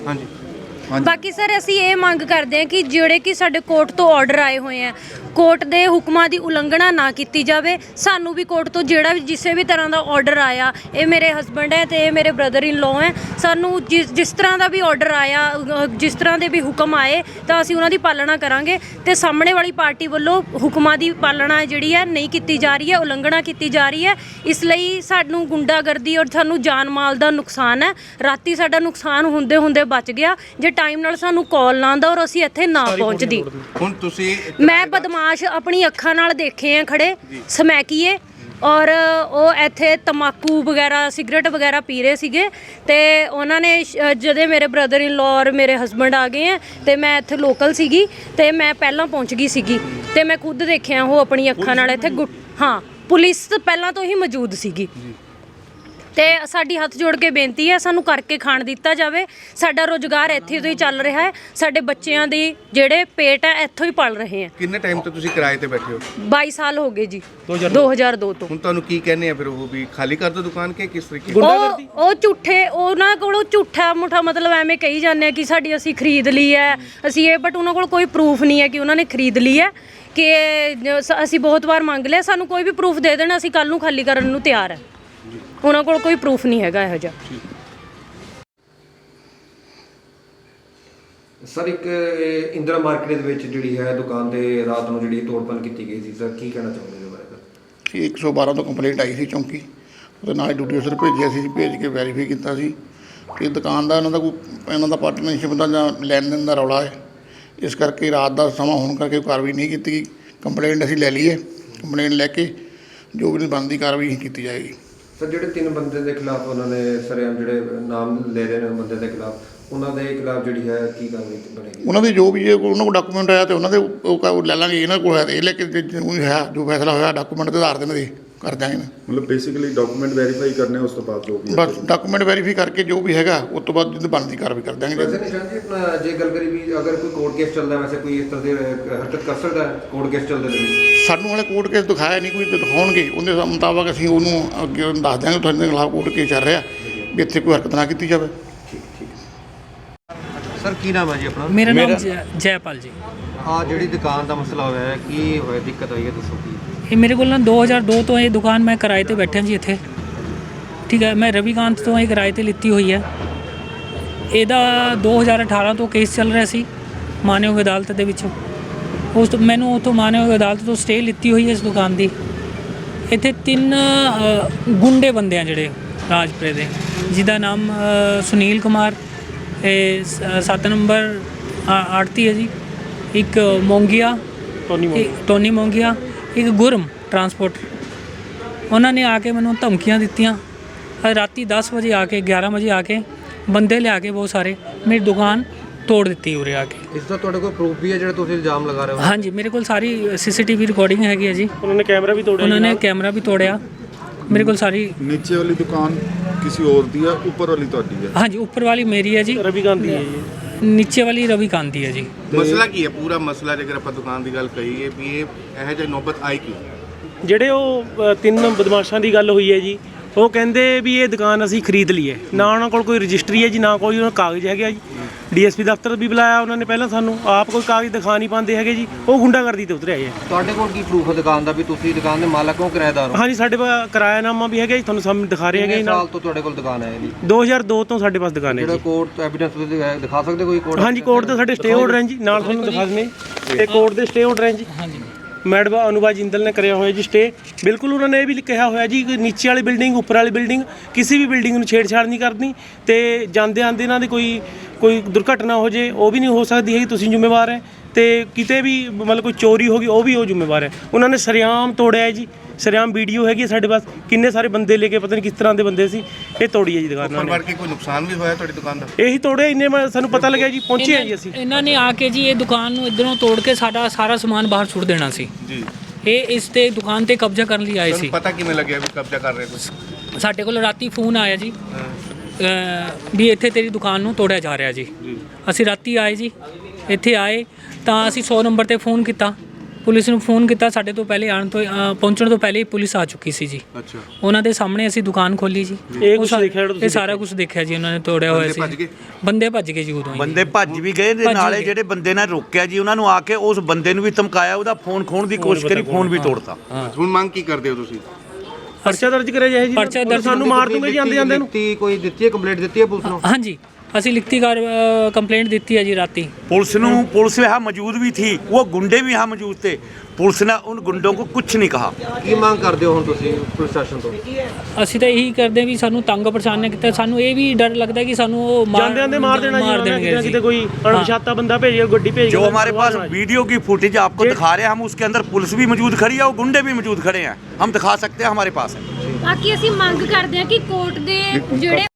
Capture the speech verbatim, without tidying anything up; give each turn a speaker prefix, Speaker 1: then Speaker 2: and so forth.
Speaker 1: हाँ जी
Speaker 2: ਬਾਕੀ ਸਰ ਅਸੀਂ ਇਹ ਮੰਗ ਕਰਦੇ ਹਾਂ ਕਿ ਜਿਹੜੇ ਕਿ ਸਾਡੇ ਕੋਰਟ ਤੋਂ ਆਰਡਰ ਆਏ ਹੋਏ ਆ, ਕੋਰਟ ਦੇ ਹੁਕਮਾਂ ਦੀ ਉਲੰਘਣਾ ਨਾ ਕੀਤੀ ਜਾਵੇ। ਸਾਨੂੰ ਵੀ ਕੋਰਟ ਤੋਂ ਜਿਹੜਾ ਵੀ ਜਿਸੇ ਵੀ ਤਰ੍ਹਾਂ ਦਾ ਆਰਡਰ ਆਇਆ, ਇਹ ਮੇਰੇ ਹਸਬੈਂਡ ਹੈ ਤੇ ਇਹ ਮੇਰੇ ਬ੍ਰਦਰ ਇਨ ਲੋ ਹੈ, ਸਾਨੂੰ ਜਿਸ ਜਿਸ ਤਰ੍ਹਾਂ ਦਾ ਵੀ ਆਰਡਰ ਆਇਆ, ਜਿਸ ਤਰ੍ਹਾਂ ਦੇ ਵੀ ਹੁਕਮ ਆਏ ਤਾਂ ਅਸੀਂ ਉਹਨਾਂ ਦੀ ਪਾਲਣਾ ਕਰਾਂਗੇ। ਤੇ ਸਾਹਮਣੇ ਵਾਲੀ ਪਾਰਟੀ ਵੱਲੋਂ ਹੁਕਮਾਂ ਦੀ ਪਾਲਣਾ ਜਿਹੜੀ ਹੈ ਨਹੀਂ ਕੀਤੀ ਜਾ ਰਹੀ ਹੈ, ਉਲੰਘਣਾ ਕੀਤੀ ਜਾ ਰਹੀ ਹੈ। ਇਸ ਲਈ ਸਾਨੂੰ ਗੁੰਡਾਗਰਦੀ ਔਰ ਸਾਨੂੰ ਜਾਨ ਮਾਲ ਦਾ ਨੁਕਸਾਨ ਹੈ। ਰਾਤੀ ਸਾਡਾ ਨੁਕਸਾਨ ਹੁੰਦੇ ਹੁੰਦੇ ਬਚ ਗਿਆ ਜੇ ਟਾਈਮ ਨਾਲ ਸਾਨੂੰ ਕਾਲ ਨਾ ਆਉਂਦਾ ਔਰ ਅਸੀਂ ਇੱਥੇ ਨਾ ਪਹੁੰਚਦੀ।
Speaker 1: ਹੁਣ ਤੁਸੀਂ
Speaker 2: ਮੈਂ ਬਦਮਾਸ਼ ਆਪਣੀ ਅੱਖਾਂ ਨਾਲ ਦੇਖੇ ਆ ਖੜੇ ਸਮੈਕੀਏ, ਔਰ ਉਹ ਇੱਥੇ ਤੰਬਾਕੂ ਵਗੈਰਾ ਸਿਗਰਟ ਵਗੈਰਾ ਪੀ ਰਹੇ ਸੀਗੇ ਤੇ ਉਹਨਾਂ ਨੇ ਜਦੋਂ ਮੇਰੇ ਬ੍ਰਦਰ ਇਨ ਲੋ ਔਰ ਮੇਰੇ ਹਸਬੈਂਡ ਆ ਗਏ ਆ ਤੇ ਮੈਂ ਇੱਥੇ ਲੋਕਲ ਸੀਗੀ ਤੇ ਮੈਂ ਪਹਿਲਾਂ ਪਹੁੰਚ ਗਈ ਸੀਗੀ ਤੇ ਮੈਂ ਖੁਦ ਦੇਖਿਆ ਉਹ ਆਪਣੀ ਅੱਖਾਂ ਨਾਲ ਇੱਥੇ। ਹਾਂ, ਪੁਲਿਸ ਪਹਿਲਾਂ ਤੋਂ ਹੀ ਮੌਜੂਦ ਸੀਗੀ ਤੇ ਸਾਡੀ ਹੱਥ ਜੋੜ ਕੇ ਬੇਨਤੀ ਹੈ ਸਾਨੂੰ ਕਰਕੇ ਖਾਣ ਦਿੱਤਾ ਜਾਵੇ। ਸਾਡਾ ਰੋਜ਼ਗਾਰ ਇੱਥੇ ਤੋਂ ਹੀ ਚੱਲ ਰਿਹਾ ਹੈ, ਸਾਡੇ ਬੱਚਿਆਂ ਦੀ ਜਿਹੜੇ ਪੇਟ ਹੈ ਇੱਥੋਂ ਹੀ ਪਲ ਰਹੇ ਆ।
Speaker 1: ਕਿੰਨੇ ਟਾਈਮ ਤੋਂ ਤੁਸੀਂ ਕਿਰਾਏ ਤੇ ਬੈਠੇ ਹੋ?
Speaker 2: ਬਾਈ ਸਾਲ ਹੋ ਗਏ ਜੀ, ਦੋ ਹਜ਼ਾਰ ਦੋ ਤੋਂ।
Speaker 1: ਹੁਣ ਤੁਹਾਨੂੰ ਕੀ ਕਹਿੰਦੇ ਆ ਫਿਰ ਉਹ ਵੀ ਖਾਲੀ ਕਰ ਦੋ ਦੁਕਾਨ ਕੇ ਕਿਸ ਤਰੀਕੇ?
Speaker 2: ਉਹ ਉਹ ਝੂਠੇ ਉਹਨਾਂ ਕੋਲੋਂ ਝੂਠਾ ਮੁੱਠਾ ਮਤਲਬ ਐਵੇਂ ਕਹੀ ਜਾਂਦੇ ਆ ਕਿ ਸਾਡੀ ਅਸੀਂ ਖਰੀਦ ਲਈ ਹੈ ਅਸੀਂ ਇਹ, ਬਟ ਉਹਨਾਂ ਕੋਲ ਕੋਈ ਪ੍ਰੂਫ ਨਹੀਂ ਹੈ ਕਿ ਉਹਨਾਂ ਨੇ ਖਰੀਦ ਲਈ ਹੈ। ਕਿ ਅਸੀਂ ਬਹੁਤ ਵਾਰ ਮੰਗ ਲਿਆ, ਸਾਨੂੰ ਕੋਈ ਵੀ ਪ੍ਰੂਫ ਦੇ ਦੇਣਾ, ਅਸੀਂ ਕੱਲ ਨੂੰ ਖਾਲੀ ਕਰਨ ਨੂੰ ਤਿਆਰ ਹੈ। ਉਹਨਾਂ ਕੋਲ ਕੋਈ ਪ੍ਰੂਫ ਨਹੀਂ ਹੈਗਾ ਇਹੋ ਜਿਹਾ।
Speaker 3: ਸਰ ਇੱਕ ਇੰਦਰਾ ਮਾਰਕੀਟ ਦੇ ਵਿੱਚ ਜਿਹੜੀ ਹੈ ਦੁਕਾਨ ਤੇ ਰਾਤ ਨੂੰ ਜਿਹੜੀ ਤੋੜਪਨ ਕੀਤੀ ਗਈ ਸੀ, ਸਰ ਕੀ ਕਹਿਣਾ ਚਾਹੁੰਦੇ ਇਹਦੇ ਬਾਰੇ? ਸਰ
Speaker 4: ਇੱਕ ਸੌ ਬਾਰਾਂ ਤੋਂ ਕੰਪਲੇਂਟ ਆਈ ਸੀ ਚੌਂਕੀ, ਉਹਦੇ ਨਾਲ ਡਿਊਟੀ ਅਫਸਰ ਭੇਜਿਆ ਸੀ, ਭੇਜ ਕੇ ਵੈਰੀਫਾਈ ਕੀਤਾ ਸੀ ਕਿ ਦੁਕਾਨ ਦਾ ਇਹਨਾਂ ਦਾ ਕੋਈ ਇਹਨਾਂ ਦਾ ਪਾਰਟਨਰਸ਼ਿਪ ਦਾ ਜਾਂ ਲੈਣ ਦੇਣ ਦਾ ਰੌਲਾ ਹੈ। ਇਸ ਕਰਕੇ ਰਾਤ ਦਾ ਸਮਾਂ ਹੋਣ ਕਰਕੇ ਕਾਰਵਾਈ ਨਹੀਂ ਕੀਤੀ ਗਈ। ਕੰਪਲੇਂਟ ਅਸੀਂ ਲੈ ਲਈ ਹੈ, ਕੰਪਲੇਂਟ ਲੈ ਕੇ ਜੋ ਵੀ ਬਣਦੀ ਕਾਰਵਾਈ ਕੀਤੀ ਜਾਏਗੀ।
Speaker 3: ਸਰ ਜਿਹੜੇ ਤਿੰਨ ਬੰਦੇ ਦੇ ਖਿਲਾਫ ਉਹਨਾਂ ਨੇ ਸਰੇਆਮ ਜਿਹੜੇ ਨਾਮ ਲੈ ਰਹੇ ਨੇ ਬੰਦੇ ਦੇ ਖਿਲਾਫ, ਉਹਨਾਂ ਦੇ ਖਿਲਾਫ ਜਿਹੜੀ ਹੈ ਕੀ ਕਾਰਵਾਈ ਬਣੇਗੀ?
Speaker 4: ਉਹਨਾਂ ਦੇ ਜੋ ਵੀ ਜੇ ਉਹਨਾਂ ਕੋਲ ਡਾਕੂਮੈਂਟ ਆਇਆ ਤੇ ਉਹਨਾਂ ਦੇ ਉਹ ਲੈ ਲਾਂਗੇ। ਇਹਨਾਂ ਕੋਲ ਹੈ ਇਹ ਲੈ ਕੇ ਜੋ ਹੈ ਜੋ ਫੈਸਲਾ ਹੋਇਆ ਡਾਕੂਮੈਂਟ ਦੇ ਆਧਾਰ 'ਤੇ ਇਹਨਾਂ ਦੇ ਕਰ ਦਿਆਂਗੇ।
Speaker 5: ਮਤਲਬ ਬੇਸਿਕਲੀ ਡਾਕੂਮੈਂਟ ਵੈਰੀਫਾਈ ਕਰਨੇ ਉਸ ਤੋਂ ਬਾਅਦ ਜੋ ਵੀ
Speaker 4: ਬਸ ਡਾਕੂਮੈਂਟ ਵੈਰੀਫਾਈ ਕਰਕੇ ਜੋ ਵੀ ਹੈਗਾ ਉਸ ਤੋਂ ਬਾਅਦ ਜਿੱਦ ਬਣਦੀ ਕਾਰਵਾਈ ਕਰ ਦਿਆਂਗੇ।
Speaker 3: ਵੈਸੇ ਨਿਸ਼ਾਨ ਜੀ ਆਪਣਾ ਜੇ ਗੱਲ ਕਰੀ ਵੀ ਅਗਰ ਕੋਈ ਕੋਰਟ ਕੇਸ ਚੱਲਦਾ ਵੈਸੇ ਕੋਈ ਇਸ ਤਰ੍ਹਾਂ ਦੀ ਹਰਕਤ ਕਰ ਸਕਦਾ ਕੋਰਟ ਕੇਸ ਚੱਲਦੇ ਨੇ?
Speaker 4: ਸਾਨੂੰ ਹਾਲੇ ਕੋਰਟ ਕੇਸ ਦਿਖਾਇਆ ਨਹੀਂ ਕੋਈ, ਦਿਖਾਉਣਗੇ ਉਹਦੇ ਮੁਤਾਬਕ ਅਸੀਂ ਉਹਨੂੰ ਅੱਗੇ ਦੱਸ ਦਿਆਂਗੇ ਤੁਹਾਡੇ ਖਿਲਾਫ ਕੋਰਟ ਕੇਸ ਚੱਲ ਰਿਹਾ ਵੀ ਇੱਥੇ ਕੋਈ ਹਰਕਤ ਨਾ ਕੀਤੀ ਜਾਵੇ।
Speaker 3: ਸਰ ਕੀ ਨਾਮ ਹੈ ਜੀ ਆਪਣਾ?
Speaker 6: ਮੇਰਾ ਨਾਮ ਜੈਪਾਲ ਜੀ।
Speaker 3: ਆ ਜਿਹੜੀ ਦੁਕਾਨ ਦਾ ਮਸਲਾ ਹੋਇਆ ਹੈ ਕੀ ਹੋਇਆ, ਦਿੱਕਤ ਹੋਈ ਹੈ ਦੱਸੋ ਕੀ?
Speaker 6: ਇਹ ਮੇਰੇ ਕੋਲ ਨਾ ਦੋ ਹਜ਼ਾਰ ਦੋ ਤੋਂ ਇਹ ਦੁਕਾਨ ਮੈਂ ਕਿਰਾਏ ਤੇ ਬੈਠਾ ਜੀ ਇੱਥੇ, ਠੀਕ ਹੈ। ਮੈਂ ਰਵੀਕਾਂਤ ਤੋਂ ਇਹ ਕਿਰਾਏ ਤੇ ਲਿੱਤੀ ਹੋਈ ਹੈ। ਇਹਦਾ ਦੋ ਹਜ਼ਾਰ ਅਠਾਰਾਂ ਤੋਂ ਕੇਸ ਚੱਲ ਰਿਹਾ ਸੀ ਮਾਨਯੋਗ ਅਦਾਲਤ ਦੇ ਵਿੱਚ। ਉਸ ਤੋਂ ਮੈਨੂੰ ਉੱਥੋਂ ਮਾਨਯੋਗ ਅਦਾਲਤ ਤੋਂ ਸਟੇ ਲਿੱਤੀ ਹੋਈ ਹੈ ਇਸ ਦੁਕਾਨ ਦੀ। ਇੱਥੇ ਤਿੰਨ ਗੁੰਡੇ ਬੰਦੇ ਆ ਜਿਹੜੇ ਰਾਜਪੁਰੇ ਦੇ, ਜਿਹਦਾ ਨਾਮ ਸੁਨੀਲ ਕੁਮਾਰ, ਇਹ ਸੱਤ ਨੰਬਰ ਆੜਤੀ ਹੈ ਜੀ, ਇੱਕ ਮੋਂਗੀਆ ਟੋਨੀ ਮੋਂਗੀਆ, ਇੱਕ ਗੁਰਮ ਟਰਾਂਸਪੋਰਟ। ਉਹਨਾਂ ਨੇ ਆ ਕੇ ਮੈਨੂੰ ਧਮਕੀਆਂ ਦਿੱਤੀਆਂ। ਰਾਤੀ ਦਸ ਵਜੇ ਆ ਕੇ ਗਿਆਰਾਂ ਵਜੇ ਆ ਕੇ ਬੰਦੇ ਲਿਆ ਕੇ ਬਹੁਤ ਸਾਰੇ ਮੇਰੀ ਦੁਕਾਨ ਤੋੜ ਦਿੱਤੀ ਉਰੇ ਆ ਕੇ।
Speaker 3: ਇਸ ਦਾ ਤੁਹਾਡੇ ਕੋਲ ਪ੍ਰੂਫ ਵੀ ਹੈ ਜਿਹੜਾ ਤੁਸੀਂ ਇਲਜ਼ਾਮ ਲਗਾ ਰਹੇ ਹੋ?
Speaker 6: ਹਾਂਜੀ, ਮੇਰੇ ਕੋਲ ਸਾਰੀ ਸੀਸੀਟੀਵੀ ਰਿਕਾਰਡਿੰਗ ਹੈਗੀ ਹੈ ਜੀ।
Speaker 7: ਉਹਨਾਂ ਨੇ ਕੈਮਰਾ ਵੀ ਤੋੜਿਆ?
Speaker 6: ਉਹਨਾਂ ਨੇ ਕੈਮਰਾ ਵੀ ਤੋੜਿਆ। ਮੇਰੇ ਕੋਲ ਸਾਰੀ।
Speaker 5: ਨੀਚੇ ਵਾਲੀ ਦੁਕਾਨ ਕਿਸੇ ਹੋਰ ਦੀ ਹੈ, ਉੱਪਰ ਵਾਲੀ ਤੁਹਾਡੀ ਹੈ?
Speaker 6: ਹਾਂਜੀ, ਉੱਪਰ ਵਾਲੀ ਮੇਰੀ ਹੈ ਜੀ,
Speaker 7: ਰਵੀਕਾਂਤ ਦੀ ਹੈ ਜੀ।
Speaker 6: ਨੀਚੇ ਵਾਲੀ ਰਵੀਕਾਂਤ ਦੀ ਹੈ ਜੀ।
Speaker 1: ਮਸਲਾ ਕੀ ਹੈ ਪੂਰਾ ਮਸਲਾ? ਜੇਕਰ ਆਪਾਂ ਦੁਕਾਨ ਦੀ ਗੱਲ ਕਰੀਏ ਵੀ ਇਹ ਇਹੋ ਜਿਹੀ ਨੌਬਤ ਆਈ ਕਿਉਂ?
Speaker 7: ਜਿਹੜੇ ਉਹ ਤਿੰਨ ਬਦਮਾਸ਼ਾਂ ਦੀ ਗੱਲ ਹੋਈ ਹੈ ਜੀ, ਉਹ ਕਹਿੰਦੇ ਵੀ ਇਹ ਦੁਕਾਨ ਅਸੀਂ ਖਰੀਦ ਲਈ ਹੈ। ਨਾ ਉਹਨਾਂ ਕੋਲ ਕੋਈ ਰਜਿਸਟਰੀ ਹੈ ਜੀ, ਨਾ ਕੋਈ ਉਹਨਾਂ ਕਾਗਜ਼ ਹੈਗਾ ਜੀ। ਡੀਐਸਪੀ ਦਫ਼ਤਰ ਵੀ ਬੁਲਾਇਆ ਉਹਨਾਂ ਨੇ ਪਹਿਲਾਂ, ਸਾਨੂੰ ਆਪ ਕੋਈ ਕਾਗਜ਼ ਦਿਖਾ ਨਹੀਂ ਪਾਉਂਦੇ ਹੈਗੇ ਜੀ। ਉਹ ਗੁੰਡਾਗਰਦੀ ਤੇ ਉਤਰੇ ਆਏ।
Speaker 3: ਤੁਹਾਡੇ ਕੋਲ ਕੀ ਪ੍ਰੂਫ ਹੈ ਦੁਕਾਨ ਦਾ ਵੀ ਤੁਸੀਂ ਦੁਕਾਨ ਦੇ ਮਾਲਕ ਹੋ ਕਿਰਾਏਦਾਰ ਹੋ?
Speaker 7: ਹਾਂਜੀ, ਸਾਡੇ ਕੋਲ ਕਿਰਾਇਆਨਾਮਾ ਵੀ ਹੈਗਾ ਜੀ, ਤੁਹਾਨੂੰ ਸਾਹਮਣੇ ਦਿਖਾ ਰਹੇ ਹੈਗੇ ਜੀ।
Speaker 3: ਸਾਲ ਤੋਂ ਤੁਹਾਡੇ ਕੋਲ ਦੁਕਾਨ ਹੈ ਜੀ? ਦੋ
Speaker 7: ਹਜ਼ਾਰ ਦੋ ਤੋਂ ਸਾਡੇ ਪਾਸ ਦੁਕਾਨ ਹੈ
Speaker 3: ਜਿਹੜਾ
Speaker 7: ਜੀ।
Speaker 3: ਕੋਰਟ ਐਵੀਡੈਂਸ ਤੁਸੀਂ ਦਿਖਾ ਸਕਦੇ ਕੋਈ ਕੋਰਟ?
Speaker 7: ਹਾਂਜੀ, ਕੋਰਟ ਦੇ ਸਾਡੇ ਸਟੇ ਆਰਡਰ ਹੈ ਜੀ, ਨਾਲ ਤੁਹਾਨੂੰ ਦਿਖਾ ਦਿੰਦੇ ਤੇ ਕੋਰਟ ਦੇ ਸਟੇ ਆਰਡਰ ਹੈ ਜੀ। ਹਾਂਜੀ, ਮੈਡਮ ਅਨੁਭਾ ਜਿੰਦਲ ਨੇ ਕਰਿਆ ਹੋਇਆ ਜੀ ਸਟੇ। ਬਿਲਕੁਲ ਉਹਨਾਂ ਨੇ ਇਹ ਵੀ ਕਿਹਾ ਹੋਇਆ ਜੀ ਕਿ ਨੀਚੇ ਵਾਲੀ ਬਿਲਡਿੰਗ ਉੱਪਰ ਵਾਲੀ ਬਿਲਡਿੰਗ ਕਿਸੇ ਵੀ ਬਿਲਡਿੰਗ ਨੂੰ ਛੇੜਛਾੜ ਨਹੀਂ ਕਰਨੀ ਤੇ ਜਾਂਦੇ ਆਂਦੇ ਇਹਨਾਂ ਦੀ ਕੋਈ ਕੋਈ ਦੁਰਘਟਨਾ ਹੋ ਜੇ ਉਹ ਵੀ ਨਹੀਂ ਹੋ ਸਕਦੀ ਹੈ, ਤੁਸੀਂ ਜ਼ਿੰਮੇਵਾਰ ਹੈ। ਤੇ ਕਿਤੇ ਵੀ ਮਤਲਬ ਕੋਈ ਚੋਰੀ ਹੋ ਗਈ ਉਹ ਵੀ ਉਹ ਜ਼ਿੰਮੇਵਾਰ ਹੈ। ਉਹਨਾਂ ਨੇ ਸਰਿਆਮ ਤੋੜਿਆ ਜੀ, ਸਰਿਆਮ ਵੀਡੀਓ ਹੈਗੀ ਸਾਡੇ ਪਾਸ, ਕਿੰਨੇ ਸਾਰੇ ਬੰਦੇ ਲੈ ਕੇ ਪਤਾ ਨਹੀਂ ਕਿਸ ਤਰ੍ਹਾਂ ਦੇ ਬੰਦੇ ਸੀ, ਇਹ ਤੋੜੀ ਹੈ ਜੀ ਦੁਕਾਨ।
Speaker 1: ਉੱਪਰ ਵੜ ਕੇ ਕੋਈ ਨੁਕਸਾਨ ਵੀ ਹੋਇਆ ਤੁਹਾਡੀ ਦੁਕਾਨ ਦਾ?
Speaker 7: ਇਹੀ ਤੋੜਿਆ, ਇੰਨੇ ਸਾਨੂੰ ਪਤਾ ਲੱਗਿਆ ਜੀ, ਪਹੁੰਚੇ ਹਾਂ ਜੀ ਅਸੀਂ।
Speaker 6: ਇਹਨਾਂ ਨੇ ਆ ਕੇ ਜੀ ਇਹ ਦੁਕਾਨ ਨੂੰ ਇੱਧਰੋਂ ਤੋੜ ਕੇ ਸਾਡਾ ਸਾਰਾ ਸਮਾਨ ਬਾਹਰ ਸੁੱਟ ਦੇਣਾ ਸੀ
Speaker 1: ਜੀ।
Speaker 6: ਇਹ ਇਸ ਤੇ ਦੁਕਾਨ ਤੇ ਕਬਜ਼ਾ ਕਰਨ ਲਈ ਆਏ ਸੀ।
Speaker 1: ਪਤਾ ਕਿਵੇਂ ਲੱਗਿਆ ਵੀ ਕਬਜ਼ਾ ਕਰ ਰਹੇ ਤੁਸੀਂ?
Speaker 6: ਸਾਡੇ ਕੋਲ ਰਾਤੀ ਫੋਨ ਆਇਆ ਜੀ ਵੀ ਇੱਥੇ ਤੇਰੀ ਦੁਕਾਨ ਨੂੰ ਤੋੜਿਆ ਜਾ ਰਿਹਾ ਜੀ। ਅਸੀਂ ਰਾਤੀ ਆਏ ਜੀ, ਇੱਥੇ ਆਏ ਤਾਂ ਅਸੀਂ ਸੌ ਨੰਬਰ ਤੇ ਫੋਨ ਕੀਤਾ ਪੁਲਿਸ ਨੂੰ ਫੋਨ ਕੀਤਾ, ਸਾਡੇ ਤੋਂ ਪਹਿਲੇ ਆਉਣ ਤੋਂ ਅ, ਪਹੁੰਚਣ ਤੋਂ ਪਹਿਲੇ ਹੀ ਪੁਲਿਸ ਆ ਚੁੱਕੀ ਸੀ ਜੀ।
Speaker 1: ਅੱਛਾ,
Speaker 6: ਉਹਨਾਂ ਦੇ ਸਾਹਮਣੇ ਅਸੀਂ ਦੁਕਾਨ ਖੋਲੀ ਜੀ।
Speaker 7: ਇਹ
Speaker 6: ਉਹ
Speaker 7: ਕੁਛ
Speaker 6: ਸਾ-
Speaker 7: ਦੇਖਿਆ ਜਿਹੜਾ ਤੁਸੀਂ
Speaker 6: ਇਹ ਸਾਰਾ ਕੁਝ ਦੇਖਿਆ ਜੀ, ਉਹਨਾਂ ਨੇ ਤੋੜਿਆ ਹੋਇਆ
Speaker 1: ਬੰਦੇ ਭੱਜ
Speaker 6: ਸੀ।
Speaker 1: ਗਏ?
Speaker 6: ਬੰਦੇ ਭੱਜ ਗਏ ਜੀ ਉਦੋਂ ਹੀ।
Speaker 8: ਬੰਦੇ ਭੱਜ ਵੀ ਗਏ ਤੇ
Speaker 6: ਭੱਜ
Speaker 8: ਨਾਲੇ
Speaker 6: ਗਏ।
Speaker 8: ਜਿਹੜੇ ਬੰਦੇ ਨੇ ਰੋਕਿਆ ਜੀ ਉਹਨਾਂ ਨੂੰ ਆ ਕੇ ਉਸ ਬੰਦੇ ਨੂੰ ਵੀ ਧਮਕਾਇਆ, ਉਹਦਾ ਫੋਨ ਖੋਣ ਦੀ ਕੋਸ਼ਿਸ਼ ਕਰੀ, ਫੋਨ ਵੀ ਤੋੜਤਾ।
Speaker 1: ਹੁਣ ਮੰਗ ਕੀ ਕਰਦੇ ਹੋ ਤੁਸੀਂ?
Speaker 7: ਪਰਚਾ ਦਰਜ ਕਰਿਆ ਜਾਏ ਜੀ,
Speaker 6: ਪਰਚਾ ਦਰਜ-
Speaker 7: ਸਾਨੂੰ ਮਾਰ ਦੂੰਗੇ ਜੀ ਆਂਦੇ ਜਾਂਦੇ ਨੂੰ।
Speaker 3: ਦਿੱਤੀ ਕੋਈ ਦਿੱਤੀ ਹੈ ਕੰਪਲੇਂਟ ਦਿੱਤੀ ਹੈ ਪੁਲਿਸ ਨੂੰ?
Speaker 6: ਹਾਂਜੀ, ਅਸੀਂ ਲਿਖਤੀ ਕਾਰ ਕੰਪਲੇਂਟ ਦਿੱਤੀ ਹੈ ਜੀ ਰਾਤੀ।
Speaker 8: पुलिस ਨੂੰ पुलिस यहाँ मौजूद भी थी, वो गुंडे भी यहाँ मौजूद थे। पुलिस ने उन गुंडों को कुछ नहीं कहा।
Speaker 3: ਕੀ ਮੰਗ ਕਰਦੇ ਹੋ ਹੁਣ ਤੁਸੀਂ ਪ੍ਰਸ਼ਾਸਨ ਤੋਂ?
Speaker 6: ਅਸੀਂ ਤਾਂ ਇਹੀ ਕਰਦੇ ਵੀ ਸਾਨੂੰ ਤੰਗ ਪਰੇਸ਼ਾਨ ਨਾ ਕੀਤਾ। ਸਾਨੂੰ ਇਹ ਵੀ ਡਰ ਲੱਗਦਾ ਕਿ ਸਾਨੂੰ ਉਹ ਮਾਰ
Speaker 7: ਜਾਂਦੇ ਜਾਂਦੇ ਮਾਰ ਦੇਣਾ ਜੀ,
Speaker 6: ਮਾਰ
Speaker 7: ਉਹਨਾਂ ਨੇ
Speaker 6: ਦੇਣਗੇ
Speaker 7: ਕਿਤੇ ਨਾ
Speaker 6: ਜੀ।
Speaker 7: ਕਿਤੇ ਕੋਈ ਅਣਪਛਾਤਾ ਬੰਦਾ ਭੇਜਿਆ, ਗੱਡੀ ਭੇਜ
Speaker 8: जो हमारे पास वीडियो की फुटेज आपको दिखा रहे हैं, हम उसके अंदर पुलिस भी मौजूद खड़ी है और गुंडे भी मौजूद खड़े हैं, हम दिखा सकते हैं, हमारे पास है।
Speaker 2: ਬਾਕੀ ਅਸੀਂ ਮੰਗ ਕਰਦੇ ਹਾਂ ਕਿ ਕੋਰਟ ਦੇ ਜਿਹੜੇ